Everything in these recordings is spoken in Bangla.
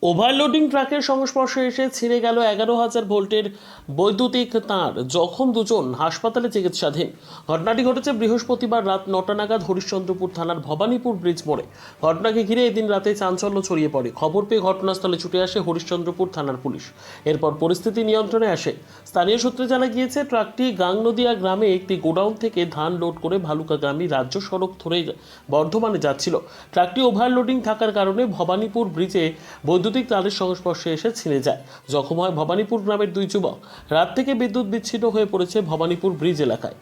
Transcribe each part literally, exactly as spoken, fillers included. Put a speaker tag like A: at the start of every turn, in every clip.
A: ওভারলোডিং ট্রাকের সংস্পর্শে এসে ছিঁড়ে গেল এগারো হাজার ভোল্টের বৈদ্যুতিক তার। জখম দুজন, হাসপাতালে চিকিৎসাধীন। ঘটনাটি ঘটেছে বৃহস্পতিবার রাত নটা নাগাদ হরিশ্চন্দ্রপুর থানার ভবানীপুর ব্রিজ মোড়ে। ঘটনাকে ঘিরে এদিন রাতে চাঞ্চল্য ছড়িয়ে পড়ে। খবর পেয়ে ঘটনাস্থলে ছুটে আসে হরিশ্চন্দ্রপুর থানার পুলিশ। এরপর পরিস্থিতি নিয়ন্ত্রণে আসে। স্থানীয় সূত্রে জানা গিয়েছে, ট্রাকটি গাংনদিয়া গ্রামে একটি গোডাউন থেকে ধান লোড করে ভালুকাগামী রাজ্য সড়ক ধরে বর্ধমানে যাচ্ছিল। ট্রাকটি ওভারলোডিং থাকার কারণে ভবানীপুর ব্রিজে বৈদ্যুতিক তারের সংস্পর্শে এসে ছিঁড়ে যায়। জখম হয় ভবানীপুর গ্রামের দুই যুবক। রাত থেকে বিদ্যুৎ বিচ্ছিন্ন হয়ে পড়েছে ভবানীপুর ব্রিজ এলাকায়।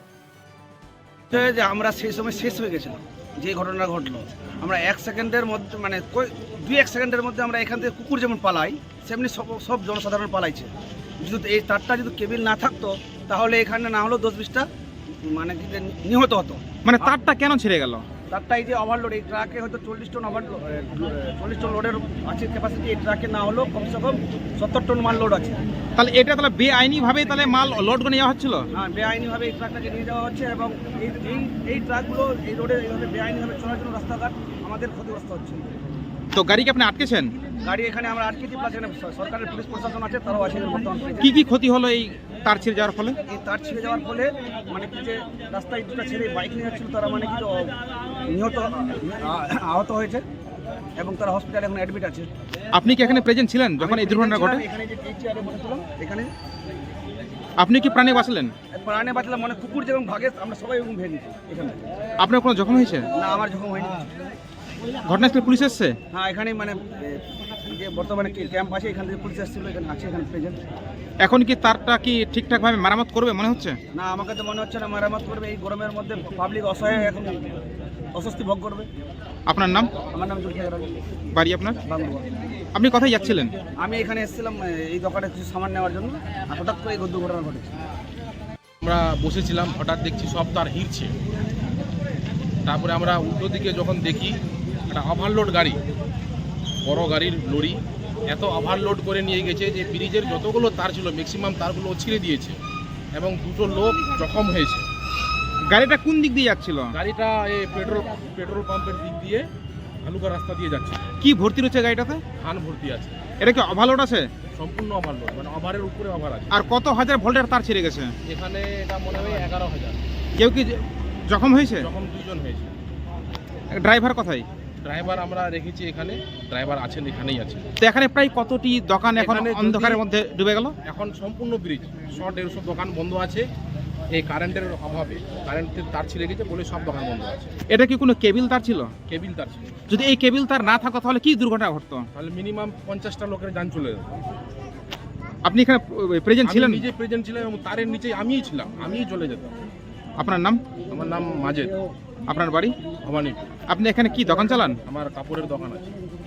B: যে আমরা সেই সময় শেষ হয়ে গেছিলাম, যে ঘটনা ঘটলো, আমরা এক সেকেন্ডের মধ্যে মানে দুই এক সেকেন্ডের মধ্যে আমরা এখান থেকে কুকুর যেমন পালাই, সেমনি সব সব জনসাধারণ পালাইছে। যদি এই তারটা যদি কেবিল না থাকতো, তাহলে এখানে না হলেও দশ বিশটা মানে নিহত হতো।
C: মানে তারটা কেন ছিঁড়ে গেল?
B: তারটা এই যে ওভারলোড, এই ট্রাকে হয়তো চল্লিশ টন ওভার চল্লিশ টন লোডের আছে ক্যাপাসিটি। এই ট্রাকে না হলেও কমসে কম সত্তর টন মাল লোড আছে।
C: তাহলে এটা তাহলে বেআইনিভাবে তাহলে মাল লোড করে নেওয়া হচ্ছিল?
B: হ্যাঁ, বেআইনিভাবে এই ট্রাকটাকে নিয়ে যাওয়া হচ্ছে এবং এই এই এই ট্রাকগুলো এই রোডে এইভাবে বেআইনিভাবে চলার জন্য রাস্তাঘাট আমাদের ক্ষতিগ্রস্ত হচ্ছে।
C: তো গাড়িকে আপনি আটকেছেন?
B: গাড়ি এখানে আমরা আটকেছি, প্লাস এখানে সরকারের পুলিশ প্রশাসন আছে, তারাও আছে বর্তমান।
C: কি কি ক্ষতি হলো এই তার ছিঁড়ে যাওয়ার ফলে?
B: এই তার ছিঁড়ে যাওয়ার ফলে মানে কি যে রাস্তায় দুটা ছেলে বাইক নিয়ে যাচ্ছিল, তারা মানে কি নিহত আহত হয়েছে এবং তারা হসপিটালে এখন অ্যাডমিট আছে।
C: আপনি কি এখানে প্রেজেন্ট ছিলেন যখন এই দুর্ঘটনা ঘটে?
B: এখানে যে এই চেয়ারে বসেছিলাম এখানে।
C: আপনি কি প্রাণে বাঁচলেন?
B: প্রাণে বাঁচলাম, মানে কুকুর যেমন ভাগে আমরা সবাই এবং ভেঙেছি এখানে।
C: আপনার কোনো জখম হয়েছে?
B: না, আমার যখন হয়নি।
C: ঘটনাস্থলে পুলিশ এসছে?
B: হ্যাঁ, এখানে মানে যে বর্তমানে ক্যাম্প আছে, এখান থেকে পুলিশ এসেছিল, এখানে আছে, এখানে প্রেজেন্ট।
C: এখন কি তারটা কি ঠিকঠাকভাবে মেরামত করবে মনে হচ্ছে?
B: না, আমাকে তো মনে হচ্ছে না মেরামত করবে। এই গরমের মধ্যে পাবলিক অসহায় এখন অস্বস্তি ভোগ করবে।
C: আপনার নাম?
B: আমার নাম জুলফিকার আলী।
C: বাড়ি আপনার?
B: বাংলা।
C: আপনি কোথায় যাচ্ছিলেন?
B: আমি এখানে এসেছিলাম এই দোকানে কিছু সামান নেওয়ার জন্য, আর হঠাৎ করে এই দুর্ঘটনা ঘটেছে।
D: আমরা বসেছিলাম, হঠাৎ দেখছি সব তার হিরছে। তারপরে আমরা উল্টো দিকে যখন দেখি একটা ওভারলোড গাড়ি, বড় গাড়ির লরি, এত ওভারলোড করে নিয়ে গেছে যে ব্রিজের যতগুলো তার ছিল ম্যাক্সিমাম তারগুলো ছিঁড়ে দিয়েছে এবং দুটো লোক জখম হয়েছে।
C: গাড়িটা কোন দিক দিয়ে যাচ্ছিল?
D: গাড়িটা এই পেট্রোল পেট্রোল পাম্পের দিক দিয়ে ভালুকা রাস্তা দিয়ে যাচ্ছে।
C: কি ভর্তি রয়েছে গাড়িটাতে?
D: ধান ভর্তি আছে।
C: এটা কি ওভারলোড আছে?
D: সম্পূর্ণ ওভারলোড, মানে ওভারের উপরে ওভার আছে।
C: আর কত হাজার ভোল্টের তার ছিঁড়ে গেছে?
D: এখানে এটা মনে হয় এগারো হাজার।
C: কেউ কি জখম হয়েছে?
D: জখম দুজন হয়েছে।
C: ড্রাইভার কোথায়?
D: ড্রাইভার আমরা রেখেছি এখানে, ড্রাইভার আছেন, এখানেই আছে।
C: তো এখানে প্রায় কতটি দোকান এখন
D: এখানে যদি-
C: অন্ধকারের মধ্যে ডুবে গেল?
D: এখন সম্পূর্ণ ব্রিজ শো দেড়শো দোকান বন্ধ আছে। এই কারেন্টের অভাবে কারেন্টের তার ছিঁড়ে গেছে বলে সব দোকান বন্ধ আছে।
C: এটা কি কোনো কেবিল তার ছিল?
D: কেবিল তার ছিল।
C: যদি এই কেবিল তার না থাকতো তাহলে কি দুর্ঘটনা ঘটতো?
D: তাহলে মিনিমাম পঞ্চাশটা লোকের যান চলে যেত।
C: আপনি এখানে প্রেজেন্ট ছিলেন?
D: আমি নিজে প্রেজেন্ট ছিলাম এবং তারের নিচে আমিই ছিলাম, আমিই চলে যেতাম।
C: আপনার নাম?
D: আমার নাম মাজেদ,
C: আপনার বাড়ি?
D: ভবানীপুর।
C: আপনি এখানে কি দোকান চালান?
D: আমার কাপড়ের দোকান আছে।